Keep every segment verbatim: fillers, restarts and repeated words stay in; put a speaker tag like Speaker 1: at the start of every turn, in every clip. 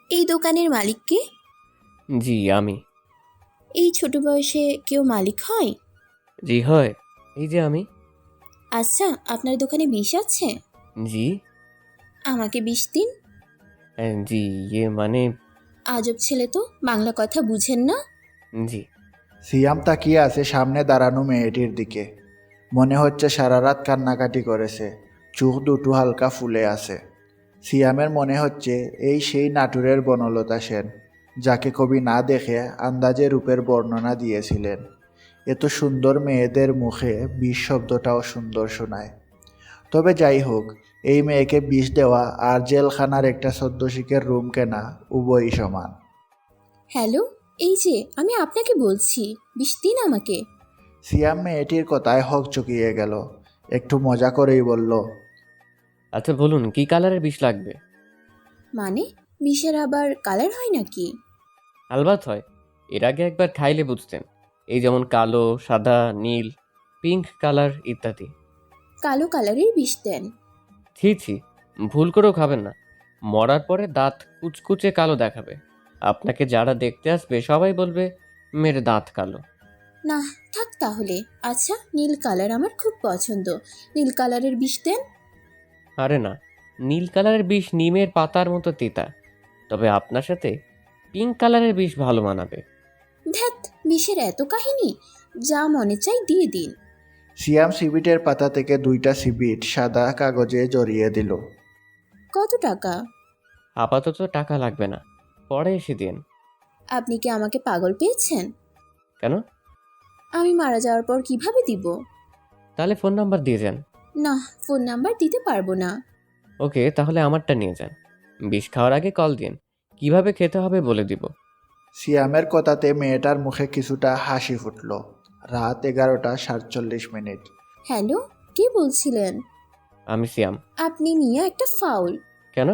Speaker 1: এই দোকানের মালিক কে?
Speaker 2: জি আমি।
Speaker 1: এই ছোট বয়সে কেউ মালিক হয়?
Speaker 2: জি হয়, এই যে আমি।
Speaker 1: আচ্ছা, আপনার দোকানে বিষ আছে?
Speaker 2: জি।
Speaker 1: আমাকে বিষ দিন।
Speaker 2: হ্যাঁ, জি ইয়ে মানে।
Speaker 1: আজব ছেলে তো, বাংলা কথা বুঝেন না?
Speaker 2: জি।
Speaker 3: সিয়াম তাকিয়ে আছে সামনে দাঁড়ানো মেয়েটির দিকে। মনে হচ্ছে সারা রাত কান্নাকাটি করেছে, চোখ দুটো হালকা ফুলে আছে। সিয়ামের মনে হচ্ছে এই সেই নাটুরের বনলতা সেন, যাকে কবি না দেখে আন্দাজে রূপের বর্ণনা দিয়েছিলেন। এত সুন্দর মেয়েদের মুখে বিষ শব্দটাও সুন্দর শোনায়। তবে যাই হোক, এই মেয়েকে বিষ দেওয়া আর জেলখানার একটা সদ্যশিকের রুম কেনা উভয়ই সমান।
Speaker 1: হ্যালো, এই যে আমি আপনাকে বলছি, বিষ দিন আমাকে।
Speaker 3: সিয়াম মেয়েটির কথায় হক চকিয়ে গেল, একটু মজা করেই বলল,
Speaker 2: আচ্ছা বলুন কি কালারের বিষ লাগবে?
Speaker 1: মানে, বিষের আবার কালার হয় নাকি?
Speaker 2: আলবাত হয়, এর আগে একবার খাইলে বুঝতেন। এই যেমন কালো, সাদা, নীল, পিঙ্ক কালার ইত্যাদি।
Speaker 1: কালো কালারের বিষ দেন?
Speaker 2: ছি ছি, ভুল করেও খাবেন না। মরার পরে দাঁত কুচকুচে কালো দেখাবে। আপনাকে যারা দেখতে আসবে সবাই বলবে মেয়ের দাঁত কালো।
Speaker 1: না, থাক তাহলে। আচ্ছা, নীল কালার আমার খুব পছন্দ, নীল কালারের বিষ দেন।
Speaker 2: আরে না, নীল কালারের বিষ নিমের পাতার মতো তিতা। তবে আপনার সাথে পিঙ্ক কালারের বিষ ভালো মানাবে।
Speaker 1: ধ্যাত, বিষের এত কাহিনী, যা মনে চাই দিয়ে দিন।
Speaker 3: সিয়াম সিবিটের পাতা থেকে দুইটা সিবিট সাদা কাগজে জড়িয়ে দিল।
Speaker 1: কত টাকা?
Speaker 2: আপাতত টাকা লাগবে না, পরে এসে দিন।
Speaker 1: আপনি কি আমাকে পাগল পেয়েছেন?
Speaker 2: কেন?
Speaker 1: আমি মারা যাওয়ার পর কিভাবে দিব?
Speaker 2: তাহলে ফোন নাম্বার দিয়ে যান।
Speaker 1: না, ফোন নাম্বার দিতে পারবো না।
Speaker 2: ওকে, তাহলে আমারটা নিয়ে যান। বিষ খাওয়ার আগে কল দিন, কিভাবে খেতে হবে বলে দিব।
Speaker 3: সিয়ামের কথাতে মেয়েটার মুখে কিছুটা হাসি ফুটল। রাত এগারোটা সাতচল্লিশ মিনিট।
Speaker 1: হ্যালো, কে বলছিলেন?
Speaker 2: আমি সিয়াম।
Speaker 1: আপনি মিয়া একটা ফাউল।
Speaker 2: কেন?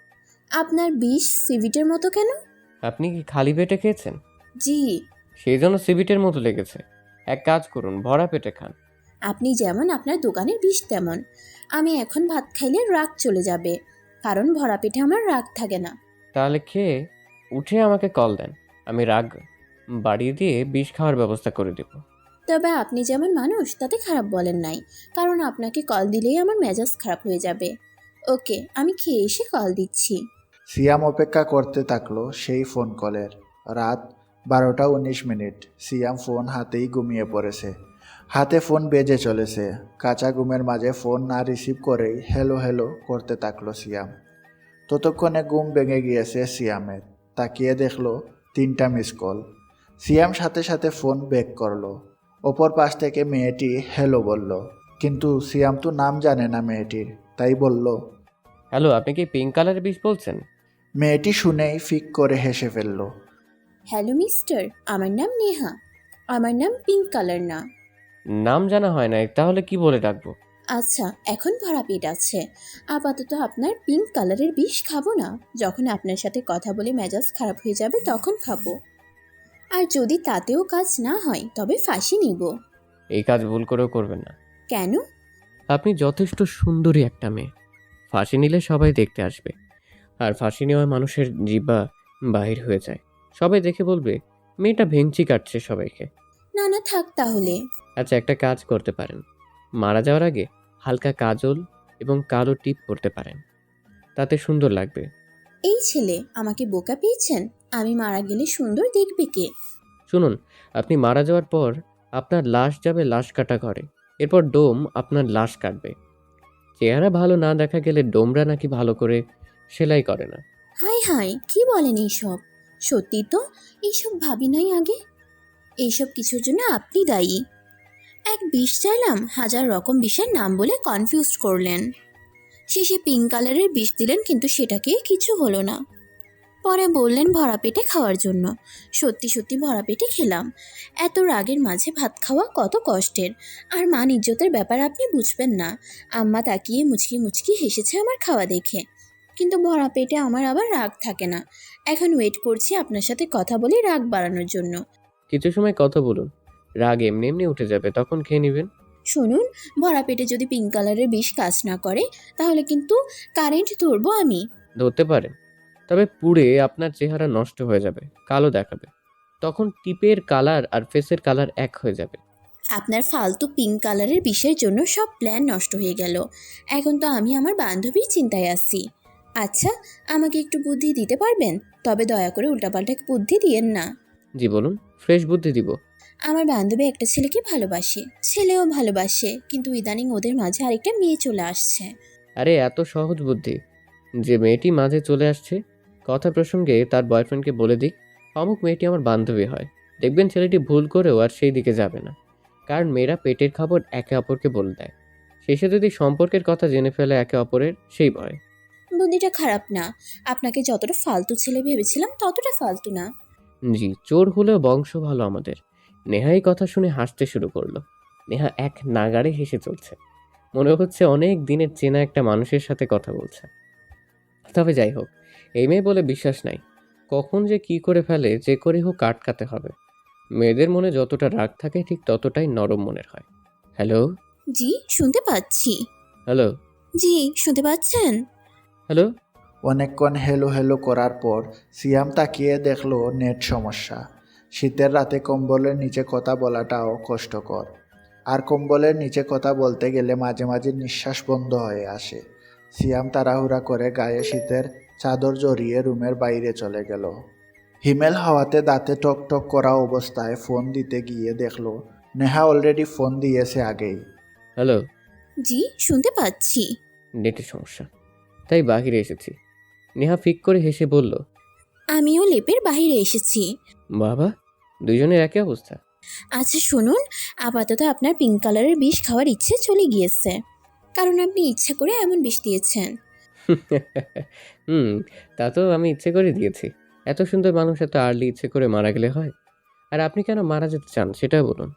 Speaker 1: আপনার বিষ সিভিটের মতো কেন?
Speaker 2: আপনি কি খালি পেটে খেয়েছেন?
Speaker 1: জি।
Speaker 2: সেই জন্য সিবিটের মতো লেগেছে। এক কাজ করুন, ভরা পেটে খান।
Speaker 1: আপনি যেমন আপনার দোকানের বিষ তেমন। আমি এখন ভাত খাইলে রাগ চলে যাবে, কারণ ভরা পেটে আমার রাগ থাকে না।
Speaker 2: তাহলে খেয়ে উঠে আমাকে কল দেন, আমি রাগ বাড়িয়ে দিয়ে বিষ খাওয়ার ব্যবস্থা করে দেব।
Speaker 1: তবে আপনি যেমন মানুষ তাতে খারাপ বলেন নাই, কারণ আপনাকে কল দিলেই আমার মেজাজ খারাপ হয়ে যাবে। ওকে, আমি খেয়ে এসে কল দিচ্ছি।
Speaker 3: সিয়াম অপেক্ষা করতে থাকলো সেই ফোন কলের। রাত বারোটা উনিশ মিনিট। সিয়াম ফোন হাতেই ঘুমিয়ে পড়েছে। হাতে ফোন বেজে চলেছে। কাঁচা ঘুমের মাঝে ফোন না রিসিভ করেই হ্যালো হ্যালো করতে থাকলো সিয়াম। ততক্ষণে ঘুম ভেঙে গিয়েছে সিয়ামের। তাকিয়ে দেখলো তিনটা মিস কল। সিয়াম সাথে সাথে ফোন ব্যাক করলো। অপর পাশ থেকে মেয়েটি হ্যালো বলল, কিন্তু সিয়াম তো নাম জানে না মেয়েটির, তাই বলল।
Speaker 2: হ্যালো, আপনি কি পিঙ্ক কালারের বিষ বলছেন?
Speaker 3: মেয়েটি শুনেই ফিক করে হেসে ফেলল।
Speaker 1: হ্যালো মিস্টার, আমার নাম নেহা। আমার নাম পিঙ্ক কালার না।
Speaker 2: নাম জানা হয় নাই, তাহলে কি বলে ডাকবো?
Speaker 1: আচ্ছা, এখন ভরা পেট আছে। আপাতত আপনার পিঙ্ক কালারের বিষ খাবো না। যখন আপনার সাথে কথা বলে মেজাজ খারাপ হয়ে যাবে তখন খাবো। আর যদি তাতেও কাজ না হয় তবে ফাঁসি নিব।
Speaker 2: এই কাজ ভুল করেও করবেন না।
Speaker 1: কেন?
Speaker 2: আপনি যথেষ্ট সুন্দরী একটা মেয়ে। ফাঁসি নিলে সবাই দেখতে আসবে, আর ফাঁসি নেওয়া মানুষের জিহ্বা বাহির হয়ে যায়। সবাই দেখে বলবে মেয়েটা ভেঙচি কাটছে সবাইকে।
Speaker 1: না না, থাক তাহলে।
Speaker 2: আচ্ছা, একটা কাজ করতে পারেন, মারা যাওয়ার আগে হালকা কাজল এবং কালো টিপ করতে পারেন, তাতে সুন্দর লাগবে।
Speaker 1: এই ছেলে আমাকে বোকা পেয়েছেন? আমি মারা গেলে সুন্দর দেখবে কে?
Speaker 2: শুনুন, আপনি মারা যাওয়ার পর আপনার লাশ যাবে লাশ কাটা ঘরে। এরপর ডোম আপনার লাশ কাটবে। চেহারা ভালো না দেখা গেলে ডোমরা নাকি ভালো করে সেলাই করে না।
Speaker 1: হাই হাই, কি বলেন এইসব? সত্যি তো, এইসব ভাবি নাই আগে। এইসব কিছুর জন্য আপনি দায়ী। এক বিষ চাইলাম, হাজার রকম বিষের নাম বলে কনফিউজ করলেন। শেষে পিঙ্ক কালারের বিষ দিলেন, কিন্তু সেটাকে কিছু হলো না। পরে বললেন ভরা পেটে খাওয়ার জন্য। সত্যি সত্যি ভরা পেটে খেলাম। এত রাগের মাঝে ভাত খাওয়া কত কষ্টের। আর মান ইজ্জতের ব্যাপার আপনি বুঝবেন না। আম্মা তাকিয়ে মুচকি মুচকি হেসেছে আমার খাওয়া দেখে। কিন্তু ভরা পেটে আমার আবার রাগ থাকে না। এখন ওয়েট করছি আপনার সাথে কথা বলে রাগ বাড়ানোর জন্য।
Speaker 2: কিছু সময় কথা বলুন, রাগ এমনি এমনি উঠে যাবে, তখন খেয়ে নেবেন।
Speaker 1: শুনুন, ভরা পেটে যদি পিঙ্ক কালারের বিষ কাজ না করে তাহলে কিন্তু কারেন্ট ধরবো আমি।
Speaker 2: ধরতে পারেন, তবে পুড়ে আপনার চেহারা নষ্ট হয়ে যাবে, কালো দেখাবে। তখন টিপের কালার আর ফেসের কালার এক হয়ে যাবে।
Speaker 1: আপনার ফালতু পিঙ্ক কালারের বিষয়ের জন্য সব প্ল্যান নষ্ট হয়ে গেল। এখন তো আমি আমার বান্ধবীর চিন্তায় আছি। আচ্ছা, আমাকে একটু বুদ্ধি দিতে পারবেন? তবে দয়া করে উল্টাপাল্টা বুদ্ধি দিয়েন না।
Speaker 2: জি বলুন, ফ্রেশ বুদ্ধি দিব।
Speaker 1: আমার বান্ধবী একটা ছেলেকে ভালোবাসে, ছেলেও ভালোবাসে, কিন্তু ইদানিং ওদের মাঝে আরেকটা মেয়ে চলে আসছে।
Speaker 2: আরে এত সহজ বুদ্ধি। যে মেয়েটি মাঝে চলে আসছে, কথা প্রসঙ্গে তার বয়ফ্রেন্ডকে বলে দিক অমুক মেয়েটি আমার বান্ধবী হয়। দেখবেন ছেলেটি ভুল করেও আর সেই দিকে যাবে না, কারণ মেয়েরা পেটের খবর একে অপরকে বলে দেয়। শেষে যদি সম্পর্কের কথা জেনে ফেলে একে অপরের, সেই ভয়।
Speaker 1: বুদ্ধিটা খারাপ না। আপনাকে যতটা ফালতু ছেলে ভেবেছিলাম ততটা ফালতু না।
Speaker 2: জি, চোর হলেও বংশ ভালো আমাদের। নেহা এই কথা শুনে হাসতে শুরু করলো। নেহা এক নাগাড়ে হেসে চলছে, মনে হচ্ছে অনেক দিনের চেনা একটা মানুষের সাথে কথা বলছে। তবে যাই হোক, এই মেয়ে বলে বিশ্বাস নাই, কখন যে কি করে ফেলে, যে করে হোক আটকাতে হবে। মেয়েদের মনে যতটা রাগ থাকে ঠিক ততটাই নরম মনের হয়। হ্যালো।
Speaker 1: জি, শুনতে পাচ্ছি।
Speaker 2: হ্যালো।
Speaker 1: জি, শুনতে পাচ্ছেন?
Speaker 2: হ্যালো।
Speaker 3: অনেকক্ষণ হেলো হেলো করার পর সিয়াম তাকিয়ে দেখলো নেট সমস্যা। শীতের রাতে কম্বলের নিচে কথা বলাটাও কষ্টকর, আর কম্বলের নিচে কথা বলতে গেলে মাঝে মাঝে নিঃশ্বাস বন্ধ হয়ে আসে। সিয়াম তাড়াহুড়া করে গায়ে শীতের চাদর জড়িয়ে রুমের বাইরে চলে গেল। হিমেল হাওয়াতে দাঁতে টক টক করা অবস্থায় ফোন দিতে গিয়ে দেখলো নেহা অলরেডি ফোন দিয়েছে আগেই।
Speaker 2: হ্যালো।
Speaker 1: জি, শুনতে পাচ্ছি।
Speaker 2: নেটের সমস্যা, তাই বাহিরে এসেছি। নেহা ফিক করে হেসে বলল,
Speaker 1: আমিও লেপের বাইরে এসেছি।
Speaker 2: বাবা, দুইজনের একই অবস্থা।
Speaker 1: আচ্ছা শুনুন, আপাতত আপনার পিঙ্ক কালারের বিষ খাওয়ার ইচ্ছে চলে গিয়েছে, কারণ আপনি ইচ্ছা করে এমন বিষ দিয়েছেন।
Speaker 2: হুম, তা তো আমি ইচ্ছে করে দিয়েছি। এত সুন্দর মানুষ এত আর্লি ইচ্ছে করে মারা গেলে হয়? আর আপনি কেন মারা যেতে চান সেটা বলুন।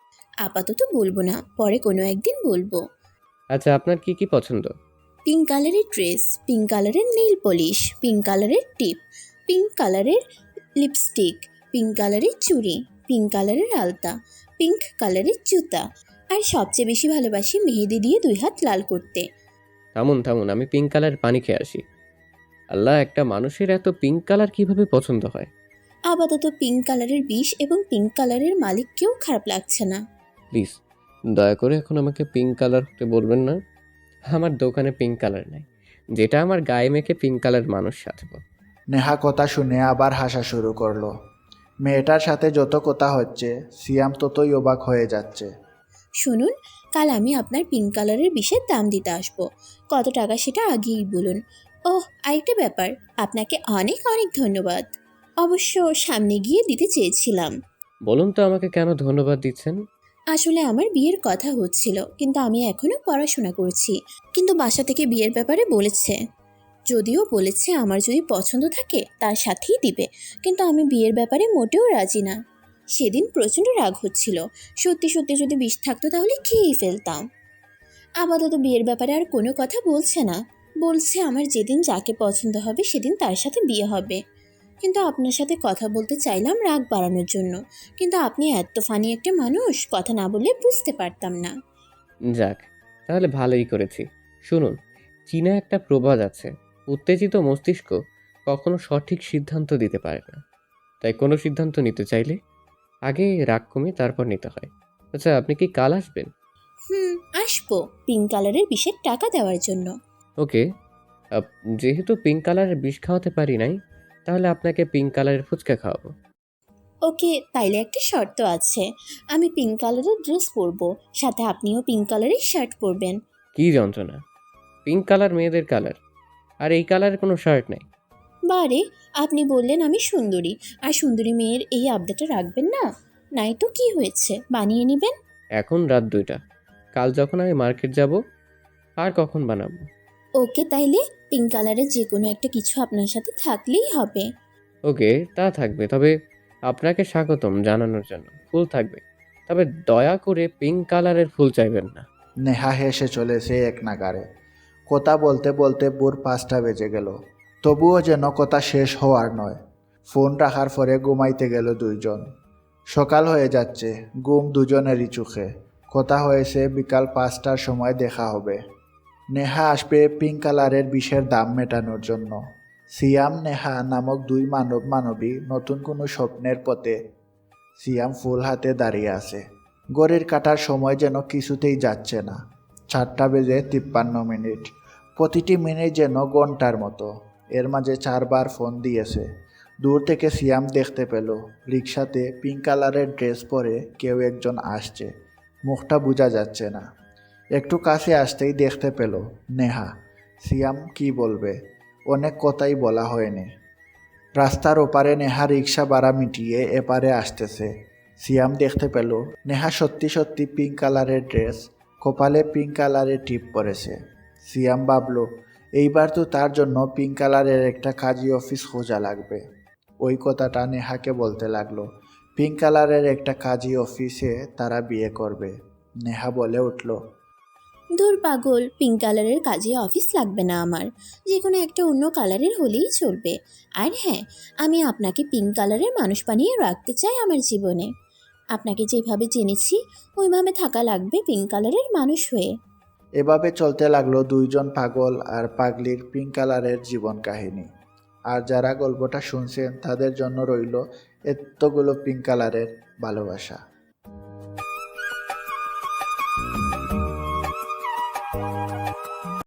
Speaker 1: আপাতত বলবো না, পরে কোনো একদিন বলবো।
Speaker 2: আচ্ছা, আপনার কি কি পছন্দ?
Speaker 1: পিঙ্ক কালারের ড্রেস, পিঙ্ক কালারের নেইল পলিশ, পিঙ্ক কালারের টিপ, পিঙ্ক কালারের লিপস্টিক, পিঙ্ক কালারের চুড়ি, পিঙ্ক কালারের আলতা, পিঙ্ক কালারের জুতা, আর সবচেয়ে বেশি ভালোবাসি মেহেদি দিয়ে দুই হাত লাল করতে।
Speaker 2: থামুন থামুন, আমি পিঙ্ক কালার পানি খেয়ে আসি। আল্লাহ, একটা মানুষের এত পিঙ্ক কালার কিভাবে পছন্দ হয়?
Speaker 1: আপাতত পিঙ্ক কালারের বিষ এবং পিঙ্ক কালারের মালিককেও খারাপ লাগছে না।
Speaker 2: প্লিজ, দয়া করে এখন আমাকে পিঙ্ক কালার হতে বলবেন না। আমার দোকানে পিঙ্ক কালার নাই, যেটা আমার গায়ে মেখে পিঙ্ক কালার মানুষ সাজবো।
Speaker 3: নেহা কথা শুনে আবার হাসা শুরু করলো। মেয়েটার সাথে যত কথা হচ্ছে সিয়াম ততই অবাক হয়ে যাচ্ছে।
Speaker 1: শুনুন, কাল আমি আপনার পিঙ্ক কালারের বিষের দাম দিতে আসবো। কত টাকা সেটা আগেই বলুন। ওহ, আরেকটা ব্যাপার, আপনাকে অনেক অনেক ধন্যবাদ। অবশ্য সামনে গিয়ে দিতে চেয়েছিলাম।
Speaker 2: বলুন তো আমাকে কেন ধন্যবাদ দিচ্ছেন?
Speaker 1: আসলে আমার বিয়ের কথা হচ্ছিল, কিন্তু আমি এখনো পড়াশোনা করছি। কিন্তু বাসা থেকে বিয়ের ব্যাপারে বলেছে, যদিও বলেছে আমার যদি পছন্দ থাকে তার সাথেই দিবে, কিন্তু আমি বিয়ের ব্যাপারে মোটেও রাজি না। সেদিন প্রচণ্ড রাগ হচ্ছিল। সত্যি সত্যি যদি বিষ থাকতো তাহলে খেয়েই ফেলতাম। আপাতত বিয়ের ব্যাপারে আর কোনো কথা বলছে না। বলছে আমার যেদিন যাকে পছন্দ হবে সেদিন তার সাথে বিয়ে হবে। কিন্তু আপনার সাথে কথা বলতে চাইলাম রাগ বাড়ানোর জন্য, কিন্তু আপনি এত ফানি একটা মানুষ, কথা না বললে বুঝতে পারতাম না।
Speaker 2: যাক, তাহলে ভালোই করেছি। শুনুন, চীনা একটা প্রবাদ আছে, উত্তেজিত মস্তিষ্ক কখনো সঠিক সিদ্ধান্ত দিতে পারে না। তাই কোনো সিদ্ধান্ত নিতে চাইলে আগে রাগ কমিয়ে তারপর নিতে হয়। আচ্ছা, আপনি কি কাল আসবেন?
Speaker 1: হুম, আসবো পিঙ্ক কালারের বিষের টাকা দেওয়ার জন্য।
Speaker 2: ওকে। আপ- যেহেতু পিঙ্ক কালারের বিষ খাওয়াতে পারি নাই, তাহলে আপনাকে পিঙ্ক কালারের ফুচকা খাওয়াবো।
Speaker 1: ওকে, তাইলে একটা শর্ত আছে। আমি পিঙ্ক কালারের ড্রেস পরবো, সাথে আপনিও পিঙ্ক কালারের শার্ট পরবেন।
Speaker 2: কি যন্ত্রণা! পিঙ্ক কালার মেয়েদের কালার, আর এই কালারের কোনো শার্ট নাই।
Speaker 1: বারে, আপনি বললেন আমি সুন্দরী, আর সুন্দরী মেয়ের এই আবদারটা রাখবেন না? নাই তো কি হয়েছে, বানিয়ে নেবেন।
Speaker 2: এখন রাত দুইটা, কাল যখন আমি মার্কেট যাব আর কখন বানাবো?
Speaker 1: ওকে, তাইলে পিঙ্ক কালারের যে কোনো একটা কিছু আপনার সাথে থাকলেই হবে।
Speaker 2: ওকে, তা থাকবে। তবে আপনাকে স্বাগতম জানানোর জন্য ফুল থাকবে, তবে দয়া করে পিঙ্ক কালারের ফুল চাইবেন না।
Speaker 3: নেহা হেসে চলেছে এক নাগারে। কথা বলতে বলতে ভোর পাঁচটা বেজে গেল, তবুও যেন কথা শেষ হওয়ার নয়। ফোন রাখার পরে ঘুমাইতে গেল দুইজন। সকাল হয়ে যাচ্ছে, ঘুম দুজনেরই চোখে। কথা হয়েছে বিকাল পাঁচটার সময় দেখা হবে। নেহা আসবে পিঙ্ক কালারের বিষের দাম মেটানোর জন্য। সিয়াম নেহা নামক দুই মানব মানবী নতুন কোনো স্বপ্নের পথে। সিয়াম ফুল হাতে দাঁড়িয়ে আছে। ঘড়ির কাটার সময় যেন কিছুতেই যাচ্ছে না। চারটা বেজে তিপ্পান্ন মিনিট। প্রতিটি মিনিট যেন ঘন্টার মতো। এর মাঝে চারবার ফোন দিয়েছে। দূর থেকে সিয়াম দেখতে পেল রিক্সাতে পিঙ্ক কালারের ড্রেস পরে কেউ একজন আসছে। মুখটা বোঝা যাচ্ছে না। একটু কাছে আসতেই দেখতে পেল নেহা। সিয়াম কি বলবে, অনেক কথাই বলা হয়নি। রাস্তার ওপারে নেহা রিক্সা ভাড়া মিটিয়ে এপারে আসতেছে। সিয়াম দেখতে পেল নেহা সত্যি সত্যি পিঙ্ক কালারের ড্রেস, কপালে পিঙ্ক কালারের টিপ পরেছে। সিয়াম ভাবল এইবার তো তার জন্য পিঙ্ক কালারের একটা কাজী অফিস খোঁজা লাগবে। ওই কথাটা নেহাকে বলতে লাগলো। পিঙ্ক কালারের একটা কাজী অফিসে তারা বিয়ে করবে। নেহা বলে উঠল,
Speaker 1: দূর পাগল, পিঙ্ক কালারের কাজে অফিস লাগবে না আমার, যে কোনো একটা অন্য কালারের হলেই চলবে। আর হ্যাঁ, আমি আপনাকে পিঙ্ক কালারের মানুষ বানিয়ে রাখতে চাই আমার জীবনে। আপনাকে যেভাবে জেনেছি ওইভাবে থাকা লাগবে পিঙ্ক কালারের মানুষ হয়ে।
Speaker 3: এভাবে চলতে লাগলো দুইজন পাগল আর পাগলির পিঙ্ক কালারের জীবন কাহিনী। আর যারা গল্পটা শুনছেন তাদের জন্য রইল এতগুলো পিঙ্ক কালারের ভালোবাসা।